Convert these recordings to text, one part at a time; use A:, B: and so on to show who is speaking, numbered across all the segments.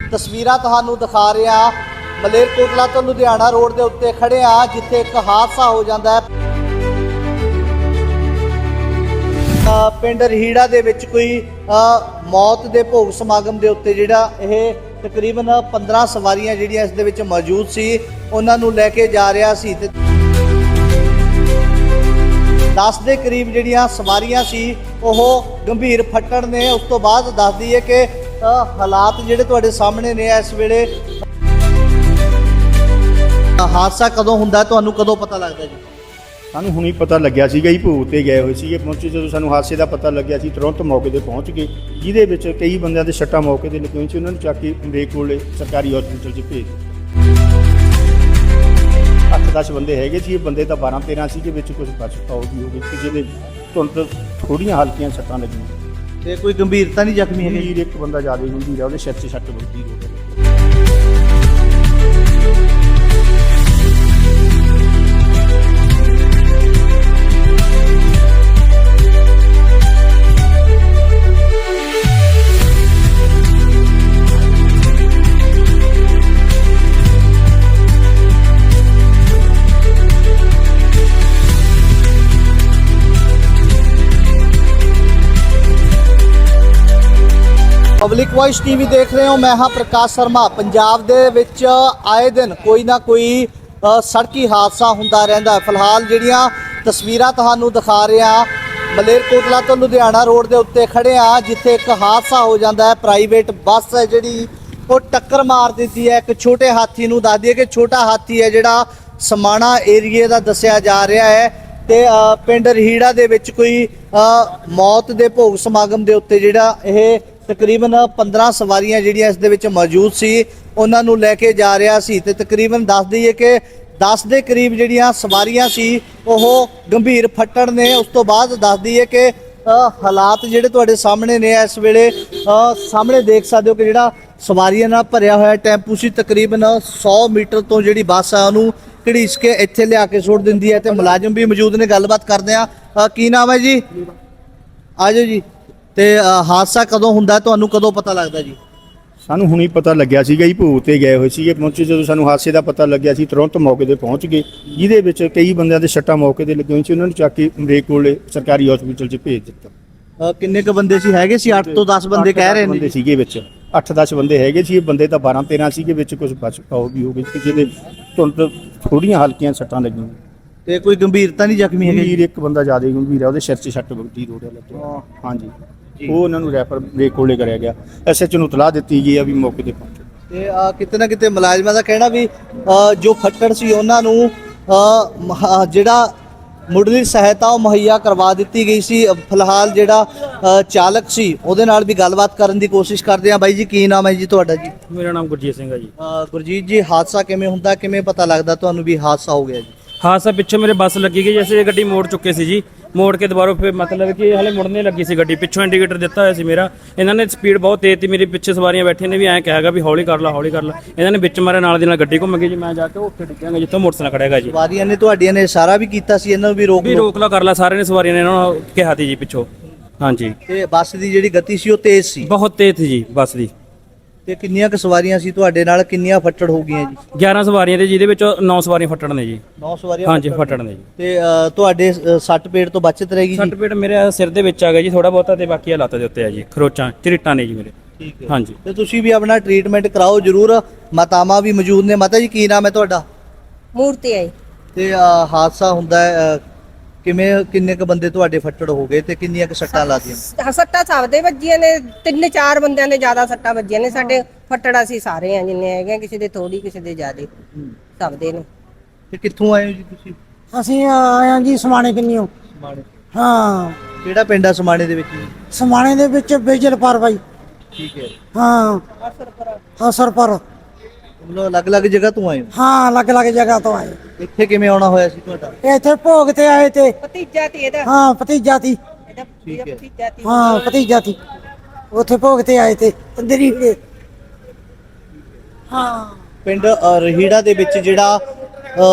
A: ਤਸਵੀਰਾਂ ਤੁਹਾਨੂੰ ਦਿਖਾ ਰਿਹਾ ਮਲੇਰਕੋਟਲਾ ਤੋਂ ਲੁਧਿਆਣਾ ਰੋਡ ਦੇ ਉੱਤੇ ਖੜੇ ਆ, ਜਿੱਥੇ ਇੱਕ ਹਾਦਸਾ ਹੋ ਜਾਂਦਾ ਹੈ। ਪਿੰਡ ਰਹੀੜਾ ਦੇ ਵਿੱਚ ਕੋਈ ਮੌਤ ਦੇ ਭੋਗ ਸਮਾਗਮ ਦੇ ਉੱਤੇ ਜਿਹੜਾ ਇਹ ਤਕਰੀਬਨ 15 ਸਵਾਰੀਆਂ ਜਿਹੜੀਆਂ ਇਸ ਦੇ ਵਿੱਚ ਮੌਜੂਦ ਸੀ, ਉਹਨਾਂ ਨੂੰ ਲੈ ਕੇ ਜਾ ਰਿਹਾ ਸੀ ਤੇ 10 ਦੇ ਕਰੀਬ ਜਿਹੜੀਆਂ ਸਵਾਰੀਆਂ ਸੀ ਉਹ ਗੰਭੀਰ ਫੱਟੜ ਨੇ। ਉਸ ਤੋਂ ਬਾਅਦ ਦੱਸਦੀ ਹੈ ਕਿ ਹਾਲਾਤ ਜਿਹੜੇ ਤੁਹਾਡੇ ਸਾਹਮਣੇ ਨੇ ਇਸ ਵੇਲੇ। ਹਾਦਸਾ ਕਦੋਂ ਹੁੰਦਾ, ਤੁਹਾਨੂੰ ਕਦੋਂ ਪਤਾ ਲੱਗਦਾ ਜੀ?
B: ਸਾਨੂੰ ਹੁਣੀ ਪਤਾ ਲੱਗਿਆ ਸੀਗਾ ਜੀ, ਭੋਗ ਤੇ ਗਏ ਹੋਏ ਸੀਗੇ। ਪਹੁੰਚੇ ਜਦੋਂ ਸਾਨੂੰ ਹਾਦਸੇ ਦਾ ਪਤਾ ਲੱਗਿਆ ਸੀ ਤੁਰੰਤ ਮੌਕੇ ਤੇ ਪਹੁੰਚ ਗਏ, ਜਿਹਦੇ ਵਿੱਚ ਕਈ ਬੰਦਿਆਂ ਦੇ ਸੱਟਾਂ ਮੌਕੇ ਤੇ ਲੱਗੀਆਂ ਸੀ। ਉਹਨਾਂ ਨੂੰ ਚੱਕ ਕੇ ਅੰਬੇਕ ਕੋਲੇ ਸਰਕਾਰੀ ਹਸਪਤਾਲ 'ਚ ਭੇਜ ਦਿੱਤਾ। 8-10 ਬੰਦੇ ਹੈਗੇ ਸੀ, ਬੰਦੇ ਤਾਂ 12-13 ਸੀਗੇ, ਵਿੱਚ ਕੁਝ ਬਚਾਓ ਵੀ ਹੋ ਗਏ ਸੀ, ਜਿਹਦੇ ਤੁਰੰਤ ਥੋੜ੍ਹੀਆਂ ਹਲਕੀਆਂ ਸੱਟਾਂ ਲੱਗੀਆਂ
A: ਤੇ ਕੋਈ ਗੰਭੀਰਤਾ ਨਹੀਂ ਜ਼ਖਮੀ ਹੈਗੇ?
B: ਇੱਕ ਬੰਦਾ ਜ਼ਿਆਦਾ ਗੰਭੀਰ ਆ, ਉਹਦੇ ਸਿਰ 'ਚ ਸੱਟ ਵੱਜੀ ਹੋ ਗਈ।
A: ਪਬਲਿਕ ਵੌਇਸ ਟੀਵੀ ਦੇਖ ਰਹੇ ਹੋ, ਮੈਂ ਹਾਂ ਪ੍ਰਕਾਸ਼ ਸ਼ਰਮਾ। ਪੰਜਾਬ ਦੇ ਵਿੱਚ ਆਏ ਦਿਨ ਕੋਈ ਨਾ ਕੋਈ ਸੜਕੀ ਹਾਦਸਾ ਹੁੰਦਾ ਰਹਿੰਦਾ ਹੈ। ਫਿਲਹਾਲ ਜਿਹੜੀਆਂ ਤਸਵੀਰਾਂ ਤੁਹਾਨੂੰ ਦਿਖਾ ਰਿਹਾ ਮਲੇਰਕੋਟਲਾ ਤੋਂ ਲੁਧਿਆਣਾ ਰੋਡ ਦੇ ਉੱਤੇ ਖੜੇ ਆ, ਜਿੱਥੇ ਇੱਕ ਹਾਦਸਾ ਹੋ ਜਾਂਦਾ ਹੈ। ਪ੍ਰਾਈਵੇਟ ਬੱਸ ਹੈ ਜਿਹੜੀ ਉਹ ਟੱਕਰ ਮਾਰ ਦਿੱਤੀ ਹੈ ਇੱਕ ਛੋਟੇ ਹਾਥੀ ਨੂੰ। ਦੱਸ ਦਈਏ ਕਿ ਛੋਟਾ ਹਾਥੀ ਹੈ ਜਿਹੜਾ ਸਮਾਣਾ ਏਰੀਏ ਦਾ ਦੱਸਿਆ ਜਾ ਰਿਹਾ ਹੈ ਤੇ ਪਿੰਡ ਰਹੀੜਾ ਦੇ ਵਿੱਚ ਕੋਈ ਮੌਤ ਦੇ ਭੋਗ ਸਮਾਗਮ ਦੇ ਉੱਤੇ ਜਿਹੜਾ ਇਹ ਤਕਰੀਬਨ 15 ਸਵਾਰੀਆਂ ਜਿਹੜੀਆਂ ਇਸ ਦੇ ਵਿੱਚ ਮੌਜੂਦ ਸੀ, ਉਹਨਾਂ ਨੂੰ ਲੈ ਕੇ ਜਾ ਰਿਹਾ ਸੀ ਤੇ ਤਕਰੀਬਨ ਦੱਸ ਦਈਏ ਕਿ 10 ਦੇ ਕਰੀਬ ਜਿਹੜੀਆਂ ਸਵਾਰੀਆਂ ਸੀ ਉਹ ਗੰਭੀਰ ਫੱਟੜ ਨੇ। ਉਸ ਤੋਂ ਬਾਅਦ ਦੱਸ ਦਈਏ ਕਿ ਹਾਲਾਤ ਜਿਹੜੇ ਤੁਹਾਡੇ ਸਾਹਮਣੇ ਨੇ ਇਸ ਵੇਲੇ। ਸਾਹਮਣੇ ਦੇਖ ਸਕਦੇ ਹੋ ਕਿ ਜਿਹੜਾ ਸਵਾਰੀਆਂ ਨਾਲ ਭਰਿਆ ਹੋਇਆ ਟੈਂਪੂ ਸੀ, ਤਕਰੀਬਨ 100 ਮੀਟਰ ਤੋਂ ਜਿਹੜੀ ਬੱਸ ਆ ਉਹਨੂੰ ਘੜੀਸ ਕੇ ਇੱਥੇ ਲਿਆ ਕੇ ਸੁੱਟ ਦਿੰਦੀ ਹੈ ਤੇ ਮੁਲਾਜ਼ਮ ਵੀ ਮੌਜੂਦ ਨੇ। ਗੱਲਬਾਤ ਕਰਦੇ ਆ। ਕੀ ਨਾਮ ਹੈ ਜੀ? ਆਜੋ ਜੀ। ਤੇ ਹਾਦਸਾ ਕਦੋਂ ਹੁੰਦਾ, ਤੁਹਾਨੂੰ ਕਦੋਂ ਪਤਾ ਲੱਗਦਾ ਜੀ?
B: ਸਾਨੂੰ ਹੁਣੀ ਪਤਾ ਲੱਗਿਆ ਸੀਗਾ ਜੀ, ਭੋਗ ਤੇ ਗਏ ਹੋਏ ਸੀਗੇ। ਪਹੁੰਚੇ ਜਦੋਂ ਸਾਨੂੰ ਹਾਦਸੇ ਦਾ ਪਤਾ ਲੱਗਿਆ ਸੀ ਤੁਰੰਤ ਮੌਕੇ ਤੇ ਪਹੁੰਚ ਗਏ, ਜਿਹਦੇ ਵਿੱਚ ਕਈ ਬੰਦਿਆਂ ਦੇ ਸੱਟਾਂ ਮੌਕੇ ਤੇ ਲੱਗੀਆਂ ਸੀ। ਉਹਨਾਂ ਨੂੰ ਚੱਕ ਕੇ ਅੰਬੇਕ ਕੋਲੇ ਸਰਕਾਰੀ ਹਸਪਤਾਲ 'ਚ ਭੇਜ ਦਿੱਤਾ।
A: ਕਿੰਨੇ ਕ ਬੰਦੇ ਸੀ? ਹੈਗੇ ਸੀ 8 ਤੋਂ 10 ਬੰਦੇ ਕਹਿ ਰਹੇ ਨੇ
B: ਸੀਗੇ, ਵਿੱਚ 8-10 ਬੰਦੇ ਹੈਗੇ ਸੀ, ਬੰਦੇ ਤਾਂ 12-13 ਸੀਗੇ, ਵਿੱਚ ਕੁਝ ਬਚਾਓ ਵੀ ਹੋ ਗਏ ਸੀ, ਜਿਹਦੇ ਤੁਰੰਤ ਥੋੜ੍ਹੀਆਂ ਹਲਕੀਆਂ ਸੱਟਾਂ ਲੱਗੀਆਂ
A: ਤੇ ਕੋਈ ਗੰਭੀਰਤਾ ਨਹੀਂ ਜ਼ਖਮੀ ਹੈਗੇ?
B: ਇੱਕ ਬੰਦਾ ਜ਼ਿਆਦਾ ਗੰਭੀਰ ਆ, ਉਹਦੇ ਸਿਰ 'ਚ ਸੱਟ ਵੱਜੀ ਰੋੜਿਆ ਲੱਗਾ। ਹਾਂਜੀ, ਉਹ ਉਹਨਾਂ ਨੂੰ ਰੈਫਰ ਅੰਬੇਕ ਕੋਲੇ ਕਰਿਆ ਗਿਆ। SHO ਨੂੰ ਇਤਲਾਹ ਦਿੱਤੀ ਗਈ ਆ ਵੀ ਮੌਕੇ ਤੇ ਪਹੁੰਚੋ।
A: ਤੇ ਕਿਤੇ ਨਾ ਕਿਤੇ ਮੁਲਾਜ਼ਮਾਂ ਦਾ ਕਹਿਣਾ ਵੀ ਜੋ ਫੱਟੜ ਸੀ ਉਹਨਾਂ ਨੂੰ ਜਿਹੜਾ ਮੁੱਢਲੀ ਸਹਾਇਤਾ ਉਹ ਮੁਹੱਈਆ ਕਰਵਾ ਦਿੱਤੀ ਗਈ ਸੀ। ਫਿਲਹਾਲ ਜਿਹੜਾ ਚਾਲਕ ਸੀ ਉਹਦੇ ਨਾਲ ਵੀ ਗੱਲਬਾਤ ਕਰਨ ਦੀ ਕੋਸ਼ਿਸ਼ ਕਰਦੇ ਆ। ਬਾਈ ਜੀ, ਕੀ ਨਾਮ ਹੈ ਜੀ ਤੁਹਾਡਾ? ਜੀ
C: ਮੇਰਾ ਨਾਮ ਗੁਰਜੀਤ ਸਿੰਘ ਹੈ ਜੀ।
A: ਗੁਰਜੀਤ ਜੀ, ਹਾਦਸਾ ਕਿਵੇਂ ਹੁੰਦਾ, ਕਿਵੇਂ ਪਤਾ ਲੱਗਦਾ ਤੁਹਾਨੂੰ ਵੀ ਹਾਦਸਾ ਹੋ ਗਿਆ ਜੀ?
C: ਹਾਦਸਾ ਪਿੱਛੇ ਮੇਰੇ ਬੱਸ ਲੱਗੀ ਗਈ, ਜੈਸੇ ਗੱਡੀ ਮੋੜ ਚੁੱਕੇ ਸੀ ਜੀ। ਮੋੜ ਕੇ ਦੁਬਾਰਾ ਫਿਰ ਮਤਲਬ ਕਿ ਹਲੇ ਮੁੜਨੇ ਲੱਗੀ ਸੀ ਗੱਡੀ, ਪਿੱਛੋਂ ਇੰਡੀਕੇਟਰ ਦਿੱਤਾ ਹੋਇਆ ਸੀ ਮੇਰਾ। ਇਹਨਾਂ ਨੇ ਸਪੀਡ ਬਹੁਤ ਤੇਜ਼ ਸੀ, ਮੇਰੇ ਪਿੱਛੇ ਸਵਾਰੀਆਂ ਬੈਠੀਆਂ ਨੇ ਵੀ ਐਂ ਕਹਾਗਾ ਵੀ ਹੌਲੀ ਕਰ ਲਾ ਹੌਲੀ ਕਰ ਲਾ। ਇਹਨਾਂ ਨੇ ਵਿੱਚ ਮਾਰੇ, ਨਾਲ ਦੀ ਨਾਲ ਗੱਡੀ ਘੁੰਮ ਗਈ ਜੀ। ਮੈਂ ਜਾ ਕੇ ਉੱਥੇ ਡਿੱਗਾਂਗਾ ਜਿੱਥੋਂ ਮੋਟਰਸਾਈਕਲ ਖੜਿਆਗਾ ਜੀ।
A: ਸਵਾਰੀਆਂ ਨੇ ਤੁਹਾਡੀਆਂ ਨੇ ਇਸ਼ਾਰਾ ਵੀ ਕੀਤਾ ਸੀ ਇਹਨਾਂ ਨੂੰ ਵੀ ਰੋਕ
C: ਲਾ ਕਰ ਲਾ, ਸਾਰਿਆਂ ਨੇ ਸਵਾਰੀਆਂ ਨੇ ਇਹਨਾਂ ਨੂੰ ਕਿਹਾ ਸੀ ਜੀ ਪਿੱਛੋਂ। ਹਾਂਜੀ,
A: ਤੇ ਬੱਸ ਦੀ ਜਿਹੜੀ ਗਤੀ ਸੀ ਉਹ ਤੇਜ਼ ਸੀ,
C: ਬਹੁਤ ਤੇਜ਼ ਸੀ ਜੀ ਬੱਸ ਦੀ।
A: ਤੇ ਕਿੰਨੀਆਂ ਕੁ ਸਵਾਰੀਆਂ ਸੀ ਤੁਹਾਡੇ ਨਾਲ, ਕਿੰਨੀਆਂ ਫੱਟੜ ਹੋ ਗਈਆਂ ਜੀ?
C: 11 ਸਵਾਰੀਆਂ ਤੇ ਜਿਹਦੇ ਵਿੱਚ 9 ਸਵਾਰੀਆਂ ਫੱਟੜ ਨੇ ਜੀ।
A: 9 ਸਵਾਰੀਆਂ
C: ਹਾਂਜੀ, ਫੱਟੜ ਨੇ ਜੀ।
A: ਤੇ ਤੁਹਾਡੇ ਸੱਟ ਪੇਟ ਤੋਂ ਬਚਤ ਰਹੇਗੀ ਜੀ?
C: ਸੱਟ ਪੇਟ ਮੇਰੇ ਸਿਰ ਦੇ ਵਿੱਚ ਆ ਗਿਆ ਜੀ ਥੋੜਾ ਬਹੁਤਾ, ਤੇ ਬਾਕੀ ਲੱਤ ਦੇ ਉੱਤੇ ਆ ਜੀ, ਖਰੋਚਾਂ ਝਰੀਟਾਂ ਨੇ ਜੀ ਮੇਰੇ।
A: ਠੀਕ ਹੈ।
C: ਹਾਂਜੀ,
A: ਤੇ ਤੁਸੀਂ ਵੀ ਆਪਣਾ ਟ੍ਰੀਟਮੈਂਟ ਕਰਾਓ ਜਰੂਰ। ਮਾਤਾਵਾਂ ਵੀ ਮੌਜੂਦ ਨੇ। ਮਾਤਾ ਜੀ, ਕੀ ਨਾਮ ਹੈ ਤੁਹਾਡਾ?
D: ਮੂਰਤੀ ਆਈ।
A: ਤੇ ਹਾਦਸਾ ਹੁੰਦਾ ਹੈ ਕਿਵੇਂ, ਕਿੰਨੇ ਕ ਬੰਦੇ ਤੁਹਾਡੇ ਫੱਟੜ ਹੋ ਗਏ ਤੇ ਕਿੰਨੀਆਂ ਕ ਸੱਟਾਂ ਲੱਗੀਆਂ?
D: ਸੱਟਾਂ ਸਭ ਦੇ ਵੱਜੀਆਂ ਨੇ, 3-4 ਬੰਦਿਆਂ ਦੇ ਜ਼ਿਆਦਾ ਸੱਟਾਂ ਵੱਜੀਆਂ ਨੇ। ਸਾਡੇ ਫੱਟੜ ਅਸੀਂ ਸਾਰੇ ਆ ਜਿੰਨੇ ਹੈਗੇ, ਕਿਸੇ ਦੇ ਥੋੜੀ ਕਿਸੇ ਦੇ ਜ਼ਿਆਦੇ, ਸਭ ਦੇ ਨੇ।
A: ਤੇ ਕਿੱਥੋਂ ਆਏ ਹੋ ਜੀ ਤੁਸੀਂ?
E: ਅਸੀਂ ਆਏ ਹਾਂ ਜੀ ਸਮਾਣੇ ਕਿੰਨੀਓ।
A: ਸਮਾਣੇ।
E: ਹਾਂ,
A: ਕਿਹੜਾ ਪਿੰਡ ਆ ਸਮਾਣੇ ਦੇ ਵਿੱਚ?
E: ਸਮਾਣੇ ਦੇ ਵਿੱਚ ਬੇਜਲ ਪਰ ਬਾਈ।
A: ਠੀਕ ਹੈ।
E: ਹਾਂ, ਅਸਰਪਰ।
A: ਮਤਲਬ ਅਲੱਗ-ਅਲੱਗ ਜਗ੍ਹਾ ਤੋਂ ਆਏ ਹੋ?
E: ਹਾਂ, ਅਲੱਗ-ਅਲੱਗ ਜਗ੍ਹਾ ਤੋਂ ਆਏ।
A: ਇੱਥੇ ਕਿਵੇਂ ਆਉਣਾ ਹੋਇਆ ਸੀ ਤੁਹਾਡਾ?
E: ਇੱਥੇ ਭੋਗ ਤੇ ਆਏ ਤੇ।
D: ਭਤੀਜਾ ਤੇ ਇਹਦਾ।
E: ਹਾਂ, ਭਤੀਜਾ ਤੀ।
A: ਠੀਕ ਹੈ।
D: ਭਤੀਜਾ ਤੇ।
E: ਹਾਂ, ਭਤੀਜਾ ਤੀ। ਉੱਥੇ ਭੋਗ ਤੇ ਆਏ ਤੇ ਅੰਦਰੀ ਦੇ। ਹਾਂ,
A: ਪਿੰਡ ਰਹੀੜਾ ਦੇ ਵਿੱਚ ਜਿਹੜਾ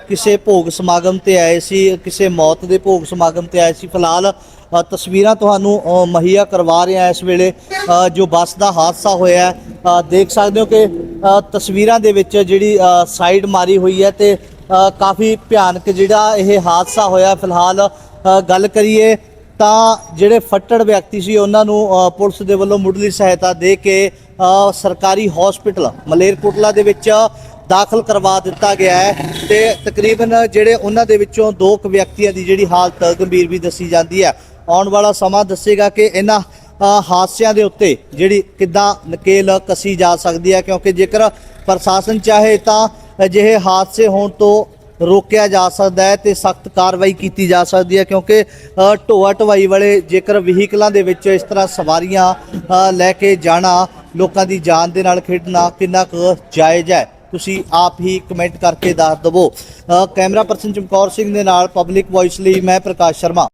A: ਕਿਸੇ ਭੋਗ ਸਮਾਗਮ ਤੇ ਆਏ ਸੀ, ਕਿਸੇ ਮੌਤ ਦੇ ਭੋਗ ਸਮਾਗਮ ਤੇ ਆਏ ਸੀ। ਫਿਲਹਾਲ ਤਸਵੀਰਾਂ ਤੁਹਾਨੂੰ ਮੁਹੱਈਆ ਕਰਵਾ ਰਹੇ ਹਾਂ ਇਸ ਵੇਲੇ ਜੋ ਬੱਸ ਦਾ ਹਾਦਸਾ ਹੋਇਆ ਹੈ। ਦੇਖ ਸਕਦੇ ਹੋ ਕਿ ਤਸਵੀਰਾਂ ਦੇ ਵਿੱਚ ਜਿਹੜੀ ਸਾਈਡ ਮਾਰੀ ਹੋਈ ਹੈ ਤੇ ਕਾਫੀ ਭਿਆਨਕ ਜਿਹੜਾ ਇਹ ਹਾਦਸਾ ਹੋਇਆ। ਫਿਲਹਾਲ ਗੱਲ ਕਰੀਏ ਤਾਂ ਜਿਹੜੇ ਫੱਟੜ ਵਿਅਕਤੀ ਸੀ ਉਹਨਾਂ ਨੂੰ ਪੁਲਿਸ ਦੇ ਵੱਲੋਂ ਮੁੱਢਲੀ ਸਹਾਇਤਾ ਦੇ ਕੇ ਸਰਕਾਰੀ ਹਸਪੀਟਲ ਮਲੇਰਕੋਟਲਾ ਦੇ ਵਿੱਚ ਦਾਖਲ ਕਰਵਾ ਦਿੱਤਾ ਗਿਆ ਹੈ ਤੇ ਤਕਰੀਬਨ ਜਿਹੜੇ ਉਹਨਾਂ ਦੇ ਵਿੱਚੋਂ 2 ਵਿਅਕਤੀਆਂ ਦੀ ਜਿਹੜੀ ਹਾਲਤ ਗੰਭੀਰ ਵੀ ਦੱਸੀ ਜਾਂਦੀ ਹੈ। ਆਉਣ ਵਾਲਾ ਸਮਾਂ ਦੱਸੇਗਾ ਕਿ ਇਹਨਾਂ ਹਾਦਸਿਆਂ ਦੇ ਉੱਤੇ ਜਿਹੜੀ ਕਿੱਦਾਂ ਨਕੇਲ ਕੱਸੀ ਜਾ ਸਕਦੀ ਹੈ, ਕਿਉਂਕਿ ਜੇਕਰ ਪ੍ਰਸ਼ਾਸਨ ਚਾਹੇ ਤਾਂ ਅਜਿਹੇ ਹਾਦਸੇ ਹੋਣ ਤੋਂ ਰੋਕਿਆ ਜਾ ਸਕਦਾ ਹੈ ਤੇ ਸਖਤ ਕਾਰਵਾਈ ਕੀਤੀ ਜਾ ਸਕਦੀ ਹੈ, ਕਿਉਂਕਿ ਢੋਆ ਢਵਾਈ ਵਾਲੇ ਜੇਕਰ ਵਹੀਕਲਾਂ ਦੇ ਵਿੱਚ ਇਸ ਤਰ੍ਹਾਂ ਸਵਾਰੀਆਂ ਲੈ ਕੇ ਜਾਣਾ, ਲੋਕਾਂ ਦੀ ਜਾਨ ਦੇ ਨਾਲ ਖੇਡਣਾ ਕਿੰਨਾ ਕੁ ਜਾਇਜ਼ ਹੈ, ਤੁਸੀਂ ਆਪ ਹੀ ਕਮੈਂਟ ਕਰਕੇ ਦੱਸ ਦਵੋ। ਕੈਮਰਾ ਪਰਸਨ ਚਮਕੌਰ ਸਿੰਘ ਦੇ ਨਾਲ ਪਬਲਿਕ ਵੌਇਸ ਲਈ ਮੈਂ ਪ੍ਰਕਾਸ਼ ਸ਼ਰਮਾ।